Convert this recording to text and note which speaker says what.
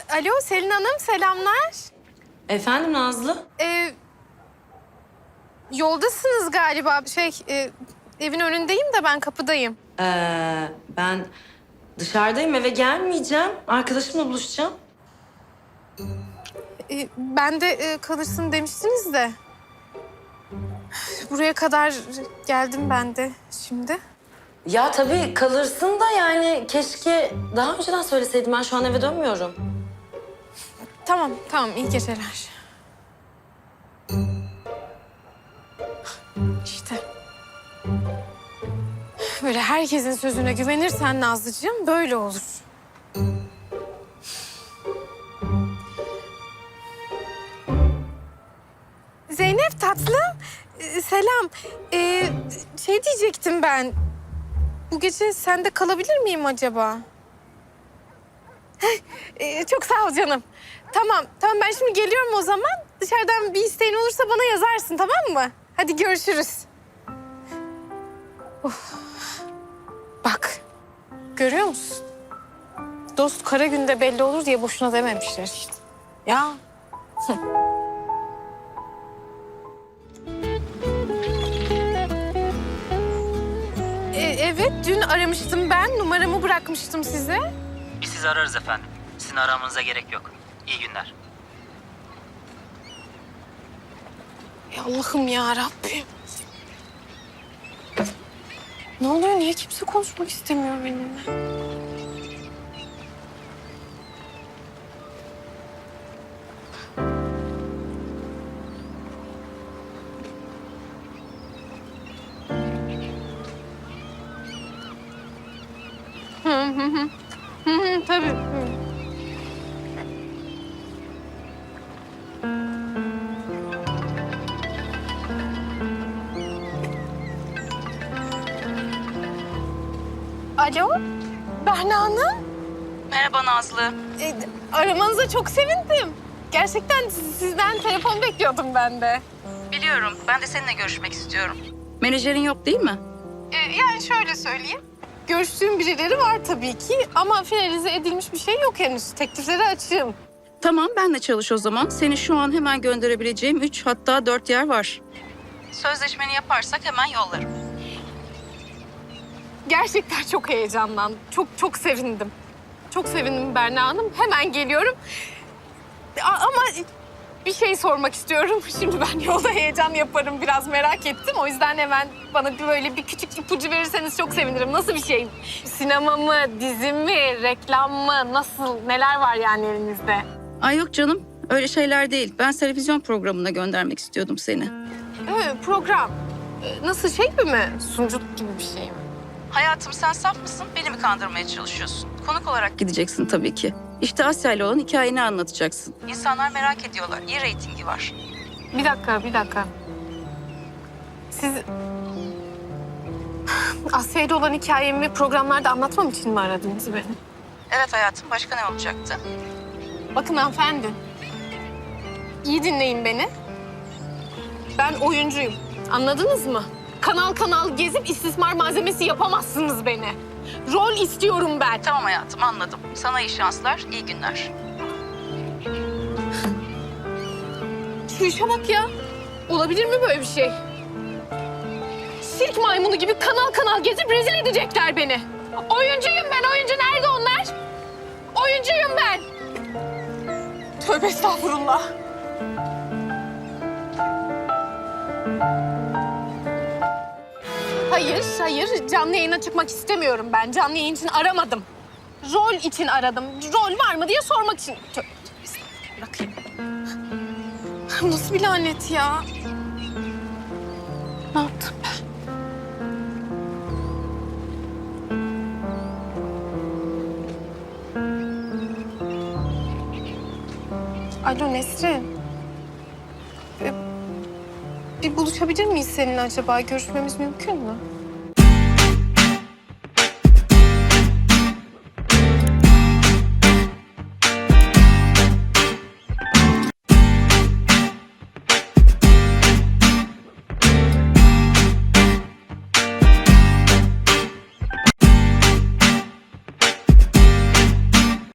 Speaker 1: Alo Selin Hanım, selamlar.
Speaker 2: Efendim Nazlı?
Speaker 1: Yoldasınız galiba. Evin önündeyim de ben kapıdayım.
Speaker 2: Ben dışarıdayım, eve gelmeyeceğim. Arkadaşımla buluşacağım.
Speaker 1: Ben de kalırsın demiştiniz de. Buraya kadar geldim ben de şimdi.
Speaker 2: Ya tabii kalırsın da yani keşke daha önceden söyleseydim. Ben şu an eve dönmüyorum.
Speaker 1: Tamam, tamam. İyi geceler. İşte. Böyle herkesin sözüne güvenirsen Nazlıcığım böyle olur. Zeynep tatlım, selam. Şey diyecektim ben. Bu gece sende kalabilir miyim acaba? Çok sağ ol canım. Tamam, tamam ben şimdi geliyorum o zaman. Dışarıdan bir isteğin olursa bana yazarsın, tamam mı? Hadi görüşürüz. Of. Bak, görüyor musun? Dost kara günde belli olur diye boşuna dememişler işte. Ya. Evet, dün aramıştım ben. Numaramı bırakmıştım size.
Speaker 3: Biz sizi ararız efendim. Sizin aramanıza gerek yok. İyi günler.
Speaker 1: Allah'ım ya Rabbim. Ne oluyor? Niye kimse konuşmak istemiyor benimle? Tabii. Hı. Alo, Berna Hanım.
Speaker 4: Merhaba Nazlı.
Speaker 1: Aramanıza çok sevindim. Gerçekten sizden telefon bekliyordum ben de.
Speaker 4: Biliyorum, ben de seninle görüşmek istiyorum. Menajerin yok değil mi?
Speaker 1: Yani şöyle söyleyeyim. Görüştüğüm birileri var tabii ki ama finalize edilmiş bir şey yok henüz. Teklifleri açığım.
Speaker 4: Tamam, benle çalış o zaman. Seni şu an hemen gönderebileceğim 3 hatta 4 yer var. Sözleşmeni yaparsak hemen yollarım.
Speaker 1: Gerçekten çok heyecanlandım. Çok sevindim. Çok sevindim Berna Hanım. Hemen geliyorum. Ama bir şey sormak istiyorum. Şimdi ben yolda heyecan yaparım. Biraz merak ettim. O yüzden hemen bana böyle bir küçük ipucu verirseniz çok sevinirim. Nasıl bir şey? Sinema mı, dizi mi, reklam mı? Nasıl, neler var yani elinizde?
Speaker 4: Ay yok canım, öyle şeyler değil. Ben televizyon programına göndermek istiyordum seni.
Speaker 1: Evet, program. Nasıl şey mi? Sunuculuk gibi bir şey mi?
Speaker 4: Hayatım sen saf mısın? Beni mi kandırmaya çalışıyorsun? Konuk olarak gideceksin tabii ki. İşte Asya ile olan hikayeni anlatacaksın. İnsanlar merak ediyorlar. İyi reytingi var.
Speaker 1: Bir dakika. Siz Asya ile olan hikayemi programlarda anlatmam için mi aradınız beni?
Speaker 4: Evet hayatım, başka ne olacaktı?
Speaker 1: Bakın hanımefendi. İyi dinleyin beni. Ben oyuncuyum. Anladınız mı? Kanal kanal gezip istismar malzemesi yapamazsınız beni. Rol istiyorum ben.
Speaker 4: Tamam hayatım, anladım. Sana iyi şanslar, iyi günler.
Speaker 1: Şu işe bak ya. Olabilir mi böyle bir şey? Sirk maymunu gibi kanal kanal gezip rezil edecekler beni. Oyuncuyum ben, oyuncu. Nerede onlar? Oyuncuyum ben. Tövbe estağfurullah. Hayır. Canlı yayına çıkmak istemiyorum ben. Canlı yayın için aramadım. Rol için aradım. Rol var mı diye sormak için. Tövbe estağfurullah. Bırakayım. Nasıl bir lanet ya? Ne yaptım ben? Alo Nesrin. Bir buluşabilir miyiz seninle acaba? Görüşmemiz mümkün mü?